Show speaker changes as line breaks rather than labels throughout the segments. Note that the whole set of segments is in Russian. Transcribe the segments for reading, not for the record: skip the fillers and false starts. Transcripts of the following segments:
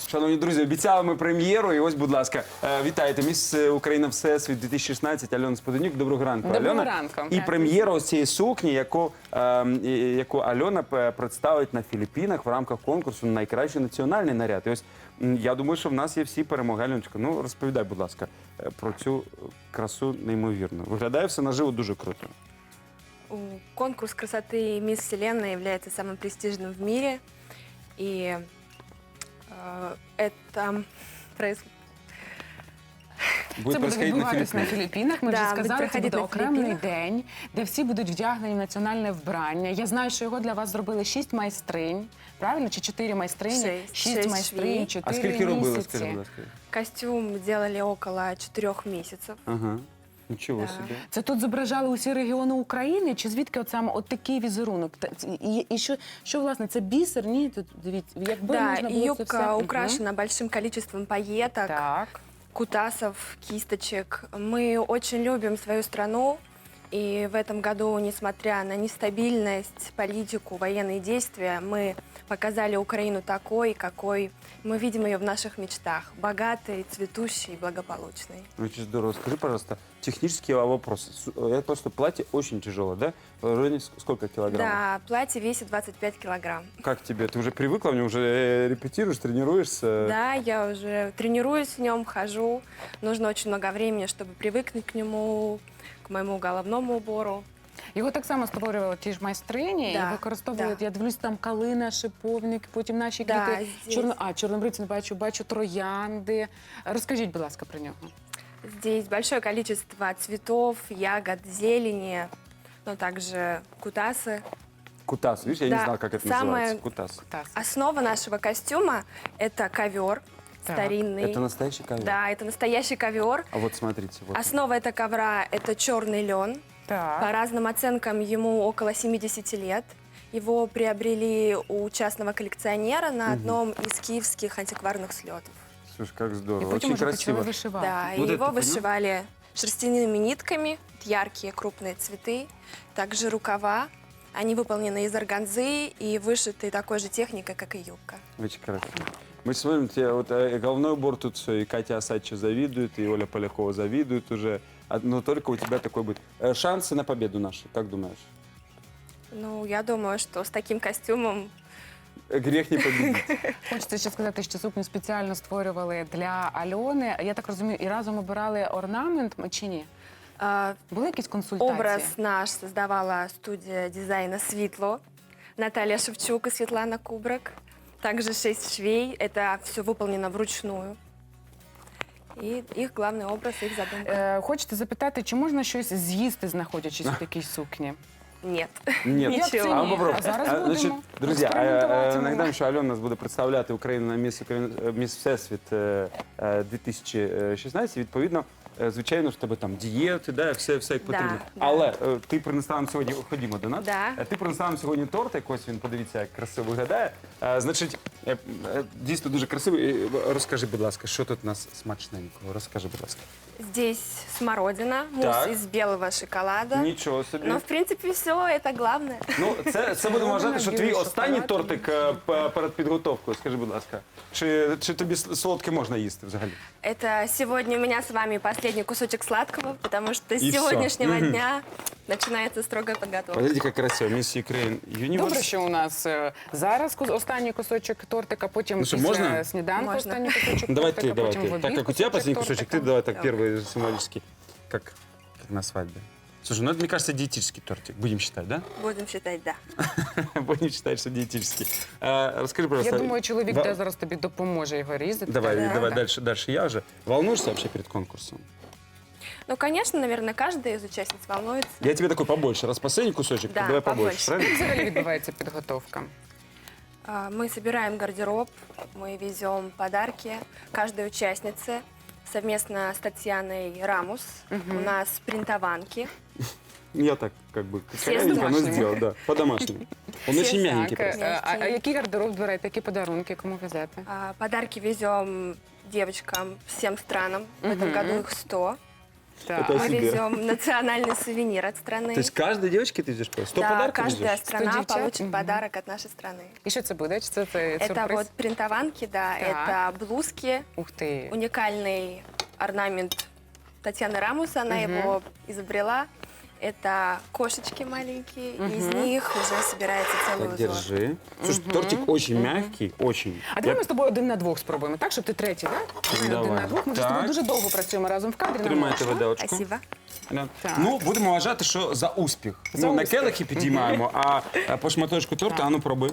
Шановні друзі, обіцяли ми прем'єру, і ось, будь ласка, вітайте, міс Україна Всесвіт 2016, Альона Споденюк. Доброго ранку,
Доброго
Альона.
ранку.
І прем'єра ось цієї сукні, яку Альона представить на Філіппінах в рамках конкурсу «Найкращий національний наряд». І ось, я думаю, що в нас є всі перемоги. Альоночка, ну розповідай, будь ласка, про цю красу неймовірну. Виглядає все наживо дуже круто.
Конкурс красоты «Мисс Вселенная» является самым престижным в мире. И это происходит...
Буде
Це буде
происходить на
відбуватись на
Філіппінах.
Філіппінах. Ми
Да,
вже
буде
сказали, це
проходити
буде
на
окремий
Філіппінах.
день, де всі будуть вдягнені в національне вбрання. Я знаю, що його для вас зробили 6 майстринь, правильно? Чи 4 майстрині?
Шість
6 майстринь,
швей.
4
А скільки робили,
місяці.
скажи, будь ласка?
Костюм делали около 4 месяцев.
Ага, нічого
Да.
собі.
Це тут зображали усі регіони України? Чи звідки от саме от такий візерунок? І що, власне, це бісер? Ні, тут дивіться, якби
Да,
можна
и
було це
юбка
все...
украшена большим количеством пайеток,
Так.
кутасов, кисточек. Мы очень любим свою страну. И в этом году, несмотря на нестабильность, политику, военные действия, мы показали Украину такой, какой мы видим ее в наших мечтах. Богатой, цветущей, благополучной.
Очень здорово. Скажи, пожалуйста, технический вопрос. Это просто платье очень тяжелое, да? В районе сколько килограммов?
Да, платье весит 25 килограмм.
Как тебе? Ты уже привыкла, в нем уже репетируешь, тренируешься?
Да, я уже тренируюсь в нем, хожу. Нужно очень много времени, чтобы привыкнуть к нему, к моему головному убору.
Його так само створювали ті ж майстрині
Да,
і використовували,
да.
я дивлюсь, там калина, шиповник, потім наші
Да,
квіти.
здесь.
Чорнобривці не бачу троянди. Розкажіть, будь ласка, про нього.
Здесь большое количество цветов, ягод, зелени, но также кутасы.
Кутас, видишь, я не
Да,
знал, как это
самое-
называется. Кутас.
Основа нашего костюма – это ковер
Так,
старинный.
Это настоящий ковер?
Да, это настоящий ковер.
А вот смотрите. Вот.
Основа этого ковра – это черный лен. По
Так.
разным оценкам ему около 70 лет. Его приобрели у частного коллекционера на одном из киевских антикварных слетов.
Слушай, как
І
здорово.
потім
Очень
уже
красиво.
почали вишивати.
Да,
Вот
и
это
его
ты понял?
вышивали шерстяными нитками, яркие крупные цветы, также рукава. Они выполнены из органзы и вышиты такой же техникой, как и юбка.
Очень красиво. Мы смотрим, тебе вот головной убор тут все, и Катя Осадча завидует, и Оля Полякова завидует уже. Но только у тебя такой будет. Шансы на победу наши, как думаешь?
Ну, я думаю, что с таким костюмом
Грех не победить.
Хочеться ще сказати, що сукню спеціально створювали для Альони. Я так розумію, і разом обирали орнамент чи ні? Були якісь консультації?
образ наш создавала студия дизайна «Светло». Наталья Шевчук и Светлана Кубрак. Также 6 швей. Это все выполнено вручную. И их главный образ, их задумка.
Хочете запитати, чи можна щось з'їсти, знаходячись у такій сукні?
Нет.
Нет.
Ничего.
А
А попробуй.
А зараз будемо
Значить, друзі,
експериментувати.
нагадаю, що Альона нас буде представляти Україну на Міс Всесвіт 2016. Відповідно, звичайно, в тебе там дієти, да, все як
Да,
потрібно.
да.
Але ти принесла нам сьогодні, ходімо до нас.
Да.
Ти принесла нам сьогодні тортик, ось він, подивіться, як красиво виглядає. Значить, дійсно дуже красивий. Розкажи, будь ласка, що тут у нас смачненького? Розкажи, будь ласка.
Здесь смородина, мусс
Так.
из белого шоколада.
Нічого собі.
Но, в принципе, все это главное.
Ну, це будемо вважати, що твій
білий
останній
шоколад.
тортик перед підготовкою. Скажи, будь ласка, чи тобі солодке можна їсти взагалі?
Это сегодня у меня с вами последний кусочек сладкого, потому что с
И всё.
сегодняшнего дня начинается строгая подготовка.
Подивіться, як красиво. Міс Ukraine Universe.
Добре, що у нас зараз останній кусочок тортика, потім
Ну що,
після
можна?
сніданку
Можна.
останній кусочок
Давай
тортика,
ты, давай
потім в
ты.
обід
Так как у тебя последний
тортика.
кусочек, ты давай так
Давай.
первый символический. Как на свадьбе. Слушай, ну это, мне кажется, диетический тортик. Будем считать, да?
Будем считать, да.
Будем считать, что диетический. Расскажи,
Я
пожалуйста.
думаю, чоловік
ва-
де зараз тобі допоможе його різати.
Давай,
Да.
давай
Да.
дальше я уже. Волнуешься вообще перед конкурсом?
Ну, конечно, наверное, каждая из участниц волнуется.
Я тебе такой побольше. Раз последний кусочек,
Да,
то давай побольше,
побольше.
правильно?
Як взагалі відбувається підготовка?
Мы собираем гардероб, мы везем подарки каждой участнице совместно с Татьяной Рамус. У нас принтованки.
Я так, как бы,
Все
корявенько, но
домашние.
сделал, да, по-домашнему. Он
Все
очень мягенький
Так,
просто.
а який гардероб збираєте, які подарунки, кому везете?
Подарки везем девочкам всем странам. В этом году их 100.
Так.
Это
Мы
себе.
везем национальный сувенир от страны.
То есть каждой девочке ты везешь? 100
Да,
подарков
каждая
везешь?
страна
девчат?
получит подарок от нашей страны.
І що це буде? Чи це
Это
сюрприз?
вот принтованки, да,
Так.
это блузки,
Ух ти.
уникальный орнамент Татьяны Рамус, она его изобрела. Это кошечки маленькие, и из них уже собирается целый
Так,
узор.
держи. Слушай, тортик очень мягкий, очень.
А давай ми з тобою один на двох спробуємо, так? Щоб ти третій, так? Давай один
Давай.
на двох. Ми вже з
Так.
тобою дуже довго працюємо разом в кадрі. нам
Тримайте
можна.
виделочку.
Спасибо.
Так.
Ну, будемо вважати, що за успіх.
За
На
успіх.
келихи підіймаємо, а по шматочку торта, а ну пробуй.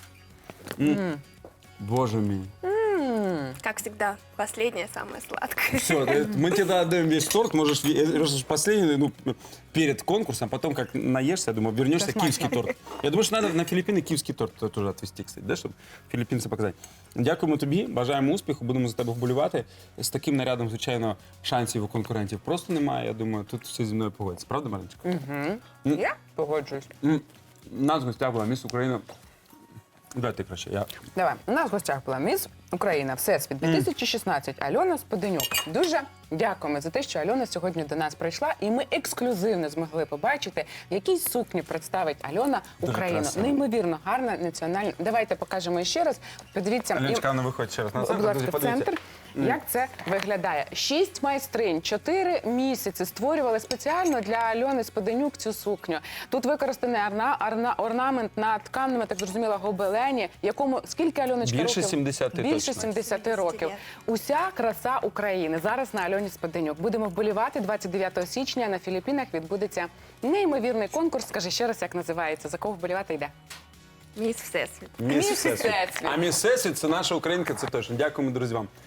Боже мій.
Как всегда, последнее, самое сладкое.
Все, мы тебе отдаем весь торт, можешь последний, ну, перед конкурсом, потом как наешься, я думаю, вернешься,
Это
киевский
смачно.
торт. Я думаю, что надо на Філіппіни киевский торт тоже отвезти, кстати, да, чтобы філіппінці показати. Дякуємо тобі, бажаємо успіху, будемо за тебе вболівати. З таким нарядом, звичайно, шансів у конкурентів просто немає. Я думаю, тут всі зі мною погодяться. Правда, Мариночка?
Я погоджуюсь.
Нас в гостях була міс України. Давай ти краще, я.
Давай. У нас в гостях була міс Україна Всесвіт 2016 Альона Споденюк. Дуже дякуємо за те, що Альона сьогодні до нас прийшла, і ми ексклюзивно змогли побачити, в якій сукні представить Альона Україну.
красиво.
Неймовірно гарна національна. Давайте покажемо ще раз. Подивіться.
Аліночка, ну виходь ще раз на
Будь
центр,
ласка,
друзі,
в
подивіться.
центр. Як це виглядає? 6 майстринь, 4 місяці створювали спеціально для Альони Споденюк цю сукню. Тут використаний орнамент на тканому, я так зрозуміла, гобелені, якому скільки Альоночка
Більше
років?
70
Більше
точно.
70 років. Уся краса України зараз на Альоні Споденюк. Будемо вболівати 29 січня на Філіппінах відбудеться неймовірний конкурс. Скажи ще раз, як називається, за кого вболівати йде?
Мисс Всесвіт.
Міс
Міс
Всесвіт.
Всесвіт.
А міс Всесвіт – це наша українка, це точно. Дякуємо, друзі, вам.